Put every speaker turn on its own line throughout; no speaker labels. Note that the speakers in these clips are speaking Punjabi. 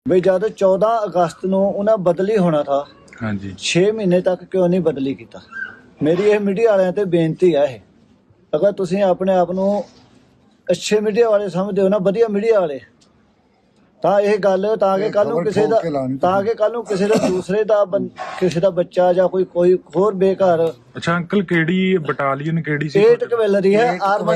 ਬਈ ਜਦ 14 ਅਗਸਤ ਨੂੰ ਉਹਨਾਂ ਬਦਲੀ ਹੋਣਾ ਥਾ।
ਹਾਂਜੀ
6 ਮਹੀਨੇ ਤੱਕ ਕਿਉਂ ਨਹੀਂ ਬਦਲੀ ਕੀਤਾ? ਮੇਰੀ ਇਹ ਮੀਡੀਆ ਵਾਲਿਆਂ ਤੇ ਬੇਨਤੀ ਹੈ, ਇਹ ਅਗਰ ਤੁਸੀਂ ਆਪਣੇ ਆਪ ਨੂੰ ਅੱਛੇ ਮੀਡੀਆ ਵਾਲੇ ਸਮਝਦੇ ਹੋ ਨਾ, ਵਧੀਆ ਮੀਡੀਆ ਵਾਲੇ, ਤਾਂ ਇਹ ਗੱਲ ਤਾਂ ਕਿ ਕੱਲ ਨੂੰ ਕਿਸੇ ਦਾ ਦੂਸਰੇ ਦਾ ਕਿਸੇ ਦਾ ਬੱਚਾ ਜਾਂ ਕੋਈ ਹੋਰ ਬੇਘਰ।
ਅੱਛਾ ਅੰਕਲ, ਕਿਹੜੀ ਬਟਾਲੀਅਨ ਕਿਹੜੀ ਸੀ?
8 ਕਵੈਲਰੀ ਹੈ,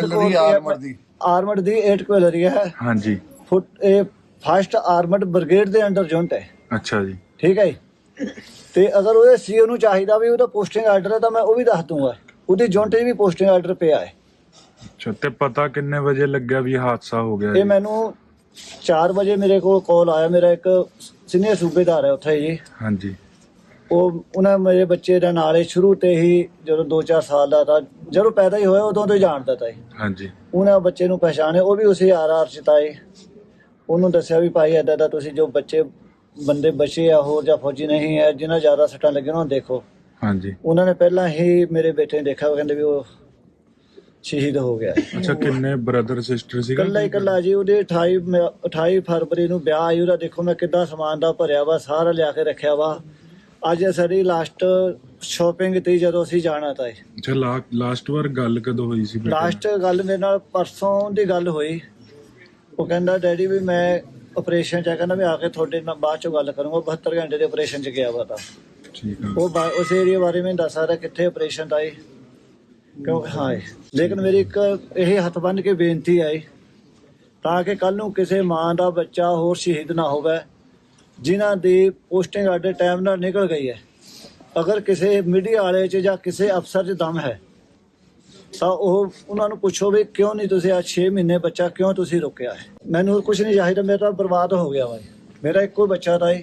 ਆਰਮਡ ਦੀ 8 ਕਵੈਲਰੀ ਹੈ।
ਹਾਂਜੀ
ਇਹ ਫਸਟ ਆਰਮਡ ਬ੍ਰਿਗੇਡ ਦੇ ਅੰਡਰ ਯੂਨਿਟ ਹੈ।
ਅੱਛਾ ਜੀ,
ਠੀਕ ਹੈ ਜੀ। ਤੇ ਅਗਰ ਉਹਦੇ ਸੀਓ ਨੂੰ ਚਾਹੀਦਾ ਵੀ ਉਹਦਾ ਪੋਸਟਿੰਗ ਆਰਡਰ ਹੈ ਤਾਂ ਮੈਂ ਉਹ ਵੀ ਦੱਸ ਦੂੰਗਾ, ਉਹਦੀ ਯੂਨਿਟ 'ਚ ਵੀ ਪੋਸਟਿੰਗ ਆਰਡਰ ਪਿਆ ਹੈ।
ਅੱਛਾ, ਤੇ ਪਤਾ ਕਿੰਨੇ ਵਜੇ ਲੱਗਿਆ ਵੀ ਹਾਦਸਾ ਹੋ ਗਿਆ?
ਇਹ ਮੈਨੂੰ 4 ਵਜੇ ਮੇਰੇ ਕੋਲ ਕਾਲ ਆਇਆ। ਮੇਰਾ ਇੱਕ ਸੀਨੀਅਰ ਸੂਬੇਦਾਰ ਹੈ ਉੱਥੇ ਜੀ।
ਹਾਂਜੀ,
ਉਹਨਾਂ ਮੇਰੇ ਬੱਚੇ ਦਾ ਨਾਲ ਹੀ ਸ਼ੁਰੂ ਤੇ ਹੀ, ਜਦੋਂ 2-4 ਸਾਲ ਦਾ ਤਾਂ ਜਦੋਂ ਪੈਦਾ ਹੀ ਹੋਇਆ ਉਦੋਂ ਤੋਂ ਹੀ ਜਾਣਦਾ ਤਾ।
ਹਾਂਜੀ,
ਉਹਨਾਂ ਬੱਚੇ ਨੂੰ ਪਛਾਣਿਆ, ਉਹ ਵੀ ਉਸੇ ਆਰ ਚ ਤਾਏ। ਉਹਨੂੰ ਦੱਸਿਆ ਵੀ ਭਾਈ ਏਦਾਂ ਦਾ ਤੁਸੀਂ ਜੋ ਬੰਦੇ ਬਚੇ ਆ ਹੋਰ ਜਾਂ ਫੌਜੀ ਨਹੀਂ ਹੈ, ਜਿਨ੍ਹਾਂ ਜ਼ਿਆਦਾ ਸੱਟਾਂ ਲੱਗੀਆਂ ਉਹਨਾਂ ਨੂੰ ਦੇਖੋ।
ਹਾਂਜੀ।
ਉਹਨਾਂ ਨੇ ਪਹਿਲਾਂ ਹੀ ਮੇਰੇ ਬੇਟੇ ਨੇ ਦੇਖਿਆ, ਉਹ ਕਹਿੰਦੇ ਵੀ ਉਹ ਸ਼ਹੀਦ ਹੋ ਗਿਆ।
ਅੱਛਾ, ਕਿੰਨੇ ਬ੍ਰਦਰ ਸਿਸਟਰ ਸੀਗਾ?
ਇਕੱਲਾ ਜੀ। ਉਹਦੇ 28 ਫਰਵਰੀ ਨੂੰ ਵਿਆਹ ਆਈ ਉਹਦਾ। ਦੇਖੋ ਮੈਂ ਕਿੱਦਾਂ ਸਮਾਨ ਦਾ ਭਰਿਆ ਵਾ, ਸਾਰਾ ਲਿਆ ਕੇ ਰੱਖਿਆ ਵਾ। ਅੱਜ ਸਾਡੀ ਲਾਸਟ ਸ਼ਾਪਿੰਗ ਤੀ ਜਦੋਂ ਅਸੀਂ ਜਾਣਾ ਤਾਂ।
ਅੱਛਾ, ਲਾਸਟ ਵਾਰ ਗੱਲ ਕਦੋਂ ਹੋਈ ਸੀ?
ਲਾਸਟ ਗੱਲ ਮੇਰੇ ਨਾਲ ਪਰਸੋਂ ਦੀ ਗੱਲ ਹੋਈ। ਉਹ ਕਹਿੰਦਾ ਡੈਡੀ ਵੀ ਮੈਂ ਆਪਰੇਸ਼ਨ 'ਚ, ਕਹਿੰਦਾ ਵੀ ਆ ਕੇ ਤੁਹਾਡੇ ਨਾਲ ਬਾਅਦ 'ਚੋਂ ਗੱਲ ਕਰੂੰਗਾ। 72 ਘੰਟੇ ਦੇ ਆਪਰੇਸ਼ਨ 'ਚ ਗਿਆ ਵਾ ਤਾਂ।
ਠੀਕ ਆ।
ਉਹ ਉਸ ਏਰੀਆ ਬਾਰੇ ਮੈਨੂੰ ਦੱਸ ਸਕਦਾ ਕਿੱਥੇ ਆਪਰੇਸ਼ਨ ਦਾ ਕਿਉਂ? ਹਾਂ, ਲੇਕਿਨ ਮੇਰੀ ਇੱਕ ਇਹ ਹੱਥ ਬੰਨ੍ਹ ਕੇ ਬੇਨਤੀ ਹੈ ਤਾਂ ਕਿ ਕੱਲ ਨੂੰ ਕਿਸੇ ਮਾਂ ਦਾ ਬੱਚਾ ਹੋਰ ਸ਼ਹੀਦ ਨਾ ਹੋਵੇ ਜਿਨ੍ਹਾਂ ਦੀ ਪੋਸਟਿੰਗ ਆਡੇ ਟਾਈਮ ਨਾਲ ਨਿਕਲ ਗਈ ਹੈ। ਅਗਰ ਕਿਸੇ ਮੀਡੀਆ ਵਾਲੇ 'ਚ ਜਾਂ ਕਿਸੇ ਅਫਸਰ 'ਚ ਦਮ ਹੈ ਤਾਂ ਉਹ ਉਹਨਾਂ ਨੂੰ ਪੁੱਛੋ ਵੀ ਕਿਉਂ ਨਹੀਂ ਤੁਸੀਂ ਆ 6 ਮਹੀਨੇ ਬੱਚਾ ਕਿਉਂ ਤੁਸੀਂ ਰੋਕਿਆ ਹੈ? ਮੈਨੂੰ ਕੁਝ ਨਹੀਂ ਚਾਹੀਦਾ, ਮੇਰਾ ਤਾਂ ਬਰਬਾਦ ਹੋ ਗਿਆ ਵਾ। ਮੇਰਾ ਇੱਕੋ ਬੱਚਾ ਤਾਂ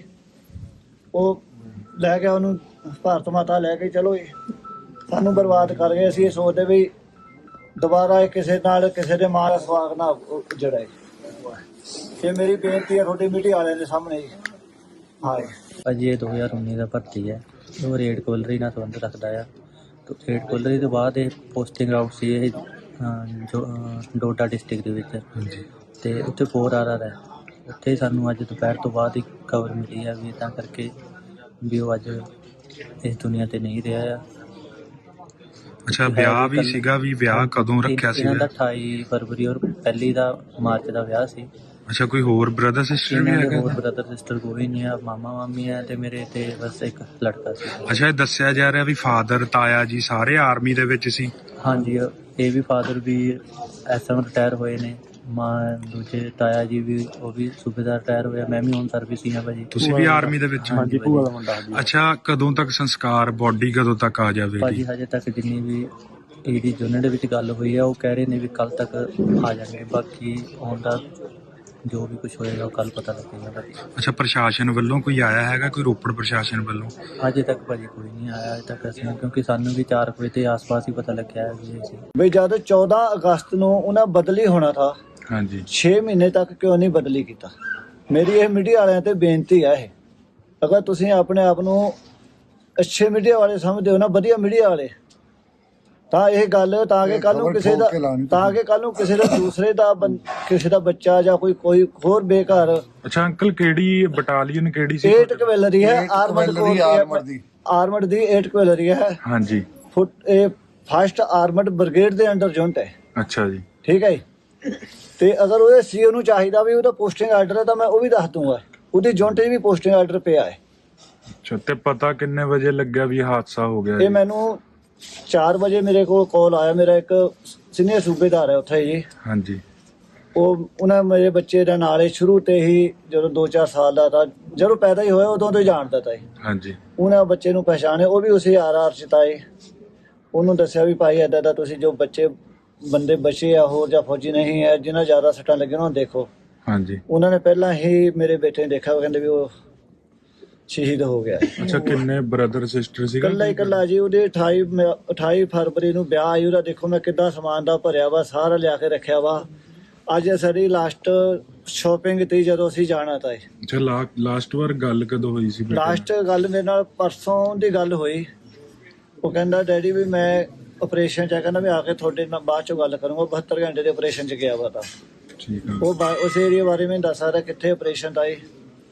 ਉਹ ਲੈ ਗਿਆ, ਉਹਨੂੰ ਭਾਰਤ ਮਾਤਾ ਲੈ ਕੇ ਚਲੋ ਸਾਨੂੰ ਬਰਬਾਦ ਕਰ ਗਏ। ਅਸੀਂ ਇਹ ਸੋਚਦੇ ਵੀ ਦੁਬਾਰਾ ਇਹ ਕਿਸੇ ਦੇ ਮਾਂ ਦਾ ਸਵਾਗ ਨਾ ਉੱਜੜੇ। ਇਹ ਮੇਰੀ ਬੇਨਤੀ ਹੈ ਤੁਹਾਡੀ ਮੀਡੀਆ ਵਾਲਿਆਂ ਦੇ ਸਾਹਮਣੇ। ਹਾਂ
ਭਾਜੀ, ਇਹ 2019 ਦਾ ਭਰਤੀ ਹੈ। ਉਹ ਰੇਡ ਕੋਲਰੀ ਨਾਲ ਸੰਬੰਧ ਰੱਖਦਾ ਆ। ਰੇਡ ਕੋਲਰੀ ਤੋਂ ਬਾਅਦ ਇਹ ਪੋਸਟਿੰਗ ਆਊਟ ਸੀ ਇਹ ਡੋਡਾ ਡਿਸਟ੍ਰਿਕਟ ਦੇ ਵਿੱਚ। ਅਤੇ ਉੱਥੇ 4 RR ਹੈ। ਉੱਥੇ ਸਾਨੂੰ ਅੱਜ ਦੁਪਹਿਰ ਤੋਂ ਬਾਅਦ ਹੀ ਖਬਰ ਮਿਲੀ ਹੈ ਵੀ ਤਾਂ ਕਰਕੇ ਵੀ ਉਹ ਅੱਜ ਇਸ ਦੁਨੀਆ 'ਤੇ ਨਹੀਂ ਰਿਹਾ ਆ।
ਅੱਛਾ, ਵਿਆਹ ਵੀ ਸੀਗਾ? ਵੀ ਵਿਆਹ ਕਦੋਂ ਰੱਖਿਆ ਸੀ?
ਇਹਨਾਂ ਦਾ 28 ਫਰਵਰੀ ਔਰ 1 ਮਾਰਚ ਦਾ ਵਿਆਹ ਸੀ।
ਅੱਛਾ, ਕੋਈ ਹੋਰ ਬ੍ਰਦਰ ਸਿਸਟਰ ਵੀ ਹੈਗਾ?
ਹੋਰ ਬ੍ਰਦਰ ਸਿਸਟਰ ਕੋਈ ਨਹੀਂ ਆ, ਮਾਮਾ ਮਾਮੀ ਹੈ ਤੇ ਮੇਰੇ ਤੇ ਬਸ ਇੱਕ ਲੜਕਾ ਸੀ।
ਅੱਛਾ, ਇਹ ਦੱਸਿਆ ਜਾ ਰਿਹਾ ਵੀ ਫਾਦਰ ਤਾਇਆ ਜੀ ਸਾਰੇ ਆਰਮੀ ਦੇ ਵਿੱਚ ਸੀ?
ਹਾਂਜੀ, ਇਹ ਵੀ ਫਾਦਰ ਵੀ SM ਰਿਟਾਇਰ ਹੋਏ ਨੇ। ਦੂਜੇ ਤਾਇਆ ਜੀ ਵੀ, ਉਹ ਵੀ ਸੂਬੇਦਾਰ ਰਿਟਾਇਰ ਹੋਇਆ। ਮੈਂ ਵੀ ਹੁਣ ਸਰਵਿਸ ਹੀ ਹਾਂ ਭਾਜੀ।
ਤੁਸੀਂ ਵੀ ਆਰਮੀ ਦੇ ਵਿੱਚ?
ਹਾਂਜੀ, ਭੂਆ ਦਾ ਮੁੰਡਾ।
ਅੱਛਾ, ਕਦੋਂ ਤੱਕ ਸੰਸਕਾਰ, ਬੋਡੀ ਕਦੋਂ ਤੱਕ ਆ ਜਾਵੇਗੀ?
ਭਾਜੀ ਹਜੇ ਤੱਕ ਜਿੰਨੀ ਵੀ ED ਯੂਨਿਟ ਵਿੱਚ ਗੱਲ ਹੋਈ ਆ, ਉਹ ਕਹਿ ਰਹੇ ਨੇ ਵੀ ਕੱਲ ਤੱਕ ਆ ਜਾਣਗੇ। ਬਾਕੀ ਆਉਣ ਦਾ ਜੋ ਵੀ ਕੁਝ ਹੋਏਗਾ ਉਹ ਕੱਲ ਪਤਾ ਲੱਗੇਗਾ ਭਾਜੀ।
ਅੱਛਾ, ਪ੍ਰਸ਼ਾਸਨ ਵੱਲੋਂ ਕੋਈ ਆਇਆ ਹੈਗਾ? ਕੋਈ ਰੋਪੜ ਪ੍ਰਸ਼ਾਸਨ ਵੱਲੋਂ?
ਅਜੇ ਤੱਕ ਭਾਜੀ ਕੋਈ ਨਹੀਂ ਆਇਆ ਅਜੇ ਤੱਕ ਅਸੀਂ, ਕਿਉਂਕਿ ਸਾਨੂੰ ਵੀ 4 ਵਜੇ ਦੇ ਆਸ-ਪਾਸ ਹੀ ਪਤਾ ਲੱਗਿਆ ਹੈ ਵੀ ਅਸੀਂ।
ਬਈ ਜਦ 14 ਅਗਸਤ ਨੂੰ ਉਹਨਾਂ ਬਦਲੀ ਹੋਣਾ ਥਾ।
ਹਾਂਜੀ
6 ਮਹੀਨੇ ਤੱਕ ਕਿਉਂ ਨਹੀਂ ਬਦਲੀ ਕੀਤਾ? ਮੇਰੀ ਇਹ ਮੀਡੀਆ ਵਾਲਿਆਂ ਤੇ ਬੇਨਤੀ ਹੈ, ਇਹ ਅਗਰ ਤੁਸੀਂ ਆਪਣੇ ਆਪ ਨੂੰ ਅੱਛੇ ਮੀਡੀਆ ਵਾਲੇ ਸਮਝਦੇ ਹੋ ਨਾ, ਵਧੀਆ ਮੀਡੀਆ ਵਾਲੇ, ਤਾਂ ਇਹ ਗੱਲ ਤਾਂ ਕਿ ਕੱਲ ਨੂੰ ਕਿਸੇ ਦਾ ਦੂਸਰੇ ਦਾ ਕਿਸੇ ਦਾ ਬੱਚਾ ਜਾਂ ਕੋਈ ਹੋਰ ਬੇਘਰ।
ਅੱਛਾ ਅੰਕਲ, ਕਿਹੜੀ ਬਟਾਲੀਅਨ ਕਿਹੜੀ ਸੀ?
8 ਕਵੈਲਰੀ ਹੈ, ਆਰਮਡ ਦੀ 8 ਕਵੈਲਰੀ ਹੈ।
ਹਾਂਜੀ,
ਇਹ ਫਸਟ ਆਰਮਡ ਬ੍ਰਿਗੇਡ ਦੇ ਅੰਡਰ ਯੂਨਿਟ ਹੈ।
ਅੱਛਾ ਜੀ,
ਠੀਕ ਹੈ। ਤੇ ਅਗਰ ਉਹਦੇ ਸੀਓ ਨੂੰ ਚਾਹੀਦਾ ਵੀ ਉਹਦਾ ਪੋਸਟਿੰਗ ਆਰਡਰ ਹੈ ਤਾਂ ਮੈਂ ਉਹ ਵੀ ਦੱਸ ਦੂੰਗਾ, ਉਹਦੀ ਯੂਨਿਟ 'ਚ ਵੀ ਪੋਸਟਿੰਗ ਆਰਡਰ ਪਿਆ ਹੈ।
ਅੱਛਾ, ਤੇ ਪਤਾ ਕਿੰਨੇ ਵਜੇ ਲੱਗਿਆ ਵੀ ਹਾਦਸਾ ਹੋ ਗਿਆ?
ਇਹ ਮੈਨੂੰ 4 ਵਜੇ ਮੇਰੇ ਕੋਲ ਕਾਲ ਆਇਆ। ਮੇਰਾ ਇੱਕ ਸੀਨੀਅਰ ਸੂਬੇਦਾਰ ਹੈ ਉੱਥੇ ਜੀ।
ਹਾਂਜੀ,
ਉਹਨਾਂ ਮੇਰੇ ਬੱਚੇ ਦਾ ਨਾਲ ਹੀ ਸ਼ੁਰੂ ਤੇ ਹੀ, ਜਦੋਂ 2-4 ਸਾਲ ਦਾ ਤਾਂ ਜਦੋਂ ਪੈਦਾ ਹੀ ਹੋਇਆ ਉਦੋਂ ਤੋਂ ਹੀ ਜਾਣਦਾ ਤਾ।
ਹਾਂਜੀ,
ਉਹਨਾਂ ਬੱਚੇ ਨੂੰ ਪਛਾਣਿਆ, ਉਹ ਵੀ ਉਸੇ ਆਰ ਚ ਤਾਏ। ਉਹਨੂੰ ਦੱਸਿਆ ਵੀ ਭਾਈ ਏਦਾਂ ਦਾ ਤੁਸੀਂ ਜੋ ਬੰਦੇ ਬਚੇ ਆ ਹੋਰ ਜਾਂ ਫੌਜੀ ਨਹੀਂ ਹੈ, ਜਿਨ੍ਹਾਂ ਜ਼ਿਆਦਾ ਸੱਟਾਂ ਲੱਗੀਆਂ ਉਹਨਾਂ ਨੂੰ ਦੇਖੋ। ਹਾਂਜੀ, ਉਹਨਾਂ ਨੇ ਪਹਿਲਾਂ ਹੀ ਮੇਰੇ ਬੇਟੇ ਨੇ ਦੇਖਿਆ, ਉਹ ਕਹਿੰਦੇ ਵੀ ਉਹ ਸ਼ਹੀਦ ਹੋ ਗਿਆ।
ਅੱਛਾ, ਕਿੰਨੇ ਬ੍ਰਦਰ ਸਿਸਟਰ ਸੀਗਾ?
ਇਕੱਲਾ ਜੀ। ਉਹਦੇ 28 ਫਰਵਰੀ ਨੂੰ ਵਿਆਹ ਆਈ ਉਹਦਾ। ਦੇਖੋ ਮੈਂ ਕਿੱਦਾਂ ਸਮਾਨ ਦਾ ਭਰਿਆ ਵਾ, ਸਾਰਾ ਲਿਆ ਕੇ ਰੱਖਿਆ ਵਾ। ਅੱਜ ਸਾਡੀ ਲਾਸਟ ਸ਼ਾਪਿੰਗ ਤੀ ਜਦੋਂ ਅਸੀਂ ਜਾਣਾ ਤਾਂ।
ਅੱਛਾ, ਲਾਸਟ ਵਾਰ ਗੱਲ ਕਦੋਂ ਹੋਈ ਸੀ?
ਲਾਸਟ ਗੱਲ ਮੇਰੇ ਨਾਲ ਪਰਸੋਂ ਦੀ ਗੱਲ ਹੋਈ। ਉਹ ਕਹਿੰਦਾ ਡੈਡੀ ਵੀ ਮੈਂ ਆਪਰੇਸ਼ਨ 'ਚ, ਕਹਿੰਦਾ ਵੀ ਆ ਕੇ ਤੁਹਾਡੇ ਨਾਲ ਬਾਅਦ 'ਚੋਂ ਗੱਲ ਕਰੂੰਗਾ। 72 ਘੰਟੇ ਦੇ ਆਪਰੇਸ਼ਨ 'ਚ ਗਿਆ ਵਾ ਤਾਂ।
ਠੀਕ ਆ।
ਉਸ ਏਰੀਆ ਬਾਰੇ ਮੈਨੂੰ ਦੱਸ ਸਕਦਾ ਕਿੱਥੇ ਆਪਰੇਸ਼ਨ ਦਾ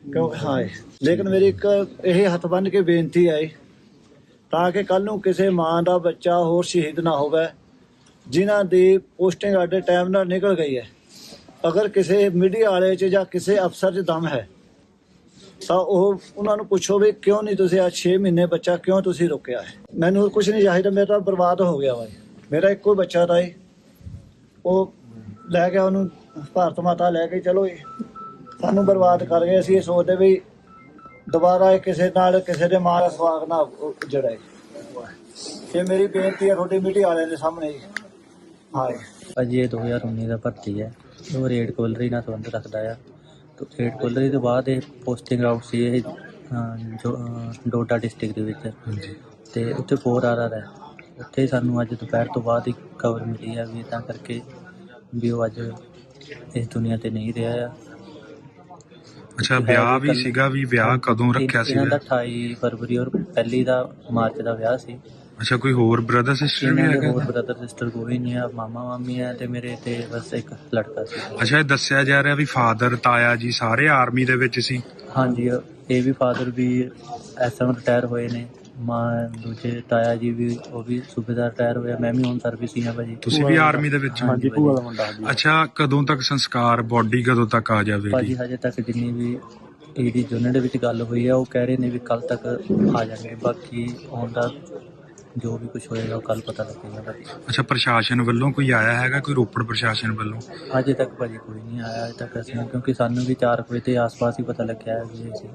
ਕਿਉਂ ਹਾਂ ਲੇਕਿਨ ਮੇਰੀ ਇੱਕ ਇਹ ਹੱਥ ਬੰਨ੍ਹ ਕੇ ਬੇਨਤੀ ਹੈ ਤਾਂ ਕਿ ਕੱਲ ਨੂੰ ਕਿਸੇ ਮਾਂ ਦਾ ਬੱਚਾ ਹੋਰ ਸ਼ਹੀਦ ਨਾ ਹੋਵੇ ਜਿਨ੍ਹਾਂ ਦੀ ਪੋਸਟਿੰਗ ਸਾਡੇ ਟਾਈਮ ਨਾਲ ਨਿਕਲ ਗਈ ਹੈ। ਅਗਰ ਕਿਸੇ ਮੀਡੀਆ ਵਾਲੇ 'ਚ ਜਾਂ ਕਿਸੇ ਅਫਸਰ 'ਚ ਦਮ ਹੈ ਤਾਂ ਉਹ ਉਹਨਾਂ ਨੂੰ ਪੁੱਛੋ ਵੀ ਕਿਉਂ ਨਹੀਂ ਤੁਸੀਂ ਅੱਜ 6 ਮਹੀਨੇ ਬੱਚਾ ਕਿਉਂ ਤੁਸੀਂ ਰੁਕਿਆ ਹੈ। ਮੈਨੂੰ ਹੋਰ ਕੁਝ ਨਹੀਂ ਚਾਹੀਦਾ, ਮੇਰਾ ਤਾਂ ਬਰਬਾਦ ਹੋ ਗਿਆ ਵਾ। ਮੇਰਾ ਇੱਕੋ ਹੀ ਬੱਚਾ ਤਾਂ ਉਹ ਲੈ ਗਿਆ, ਉਹਨੂੰ ਭਾਰਤ ਮਾਤਾ ਲੈ ਕੇ ਚਲੋ ਸਾਨੂੰ ਬਰਬਾਦ ਕਰ ਗਏ। ਅਸੀਂ ਇਹ ਸੋਚਦੇ ਵੀ ਦੁਬਾਰਾ ਇਹ ਕਿਸੇ ਨਾਲ ਕਿਸੇ ਦੇ ਮਾਂ ਦਾ ਸਵਾਗ ਨਾ ਜਿਹੜਾ ਇਹ ਮੇਰੀ ਬੇਨਤੀ ਹੈ ਤੁਹਾਡੀ ਮੀਡੀਆ ਵਾਲਿਆਂ ਦੇ ਸਾਹਮਣੇ। ਹਾਂ
ਭਾਜੀ ਇਹ 2019 ਦਾ ਭਰਤੀ ਹੈ। ਉਹ ਰੇਡ ਕੋਲਰੀ ਨਾਲ ਸੰਬੰਧ ਰੱਖਦਾ ਆ। ਤੇ ਰੇਡ ਕੋਲਰੀ ਤੋਂ ਬਾਅਦ ਇਹ ਪੋਸਟਿੰਗ ਆਊਟ ਸੀ ਇਹ ਡੋਡਾ ਡਿਸਟ੍ਰਿਕਟ ਦੇ ਵਿੱਚ। ਤੇ ਉੱਥੇ 4 RR ਹੈ। ਉੱਥੇ ਸਾਨੂੰ ਅੱਜ ਦੁਪਹਿਰ ਤੋਂ ਬਾਅਦ ਹੀ ਖਬਰ ਮਿਲੀ ਹੈ ਵੀ ਤਾਂ ਕਰਕੇ ਵੀ ਉਹ ਅੱਜ ਇਸ ਦੁਨੀਆ ਤੇ ਨਹੀਂ ਰਿਹਾ ਆ।
ਅੱਛਾ ਵਿਆਹ ਵੀ ਸੀਗਾ ਵੀ ਵਿਆਹ ਕਦੋਂ ਰੱਖਿਆ ਸੀ?
ਇਹਨਾਂ ਦਾ 28 ਫਰਵਰੀ ਔਰ ਪਹਿਲੀ ਦਾ ਮਾਰਚ ਦਾ ਵਿਆਹ ਸੀ।
ਅੱਛਾ ਕੋਈ ਹੋਰ ਬ੍ਰਦਰ ਸਿਸਟਰ ਵੀ
ਇਹਨਾਂ ਦੇ
ਹੈਗਾ?
ਹੋਰ ਬ੍ਰਦਰ ਸਿਸਟਰ ਕੋਈ ਨਹੀਂ ਆ, ਮਾਮਾ ਮਾਮੀ ਹੈ ਤੇ ਮੇਰੇ ਤੇ ਬਸ ਇੱਕ ਲੜਕਾ ਸੀ।
ਅੱਛਾ ਇਹ ਦੱਸਿਆ ਜਾ ਰਿਹਾ ਵੀ ਫਾਦਰ ਤਾਇਆ ਜੀ ਸਾਰੇ ਆਰਮੀ ਦੇ ਵਿੱਚ ਸੀ?
ਹਾਂਜੀ ਇਹ ਵੀ ਫਾਦਰ ਵੀ SM ਰਿਟਾਇਰ ਹੋਏ ਨੇ। ਮਾਂ ਦੂਜੇ ਤਾਇਆ ਜੀ ਵੀ ਉਹ ਵੀ ਸੂਬੇਦਾਰ ਰਿਟਾਇਰ ਹੋਇਆ। ਮੈਂ ਵੀ ਹੁਣ ਸਰਵਿਸ ਹੀ ਆ ਭਾਜੀ।
ਤੁਸੀਂ ਵੀ ਆਰਮੀ ਦੇ ਵਿੱਚ?
ਹਾਂਜੀ ਭੂਆ ਦਾ ਮੁੰਡਾ।
ਅੱਛਾ ਕਦੋਂ ਤੱਕ ਸੰਸਕਾਰ ਬੋਡੀ ਕਦੋਂ ਤੱਕ ਆ ਜਾਵੇਗੀ?
ਭਾਜੀ ਹਜੇ ਤੱਕ ਜਿੰਨੀ ਵੀ ਈਡੀ ਯੂਨਿਟ ਦੇ ਵਿੱਚ ਗੱਲ ਹੋਈ ਹੈ ਉਹ ਕਹਿ ਰਹੇ ਨੇ ਵੀ ਕੱਲ ਤੱਕ ਆ ਜਾਣਗੇ। ਬਾਕੀ ਆਉਣ ਦਾ ਜੋ ਵੀ ਕੁਝ ਹੋਏਗਾ ਉਹ ਕੱਲ ਪਤਾ ਲੱਗੇਗਾ ਭਾਜੀ।
ਅੱਛਾ ਪ੍ਰਸ਼ਾਸਨ ਵੱਲੋਂ ਕੋਈ ਆਇਆ ਹੈਗਾ, ਕੋਈ ਰੋਪੜ ਪ੍ਰਸ਼ਾਸਨ ਵੱਲੋਂ?
ਅਜੇ ਤੱਕ ਭਾਜੀ ਕੋਈ ਨਹੀਂ ਆਇਆ ਅਜੇ ਤੱਕ ਅਸੀਂ, ਕਿਉਂਕਿ ਸਾਨੂੰ ਵੀ 4 ਵਜੇ ਦੇ ਆਸ-ਪਾਸ ਹੀ ਪਤਾ ਲੱਗਿਆ ਹੈ ਵੀ ਅਸੀਂ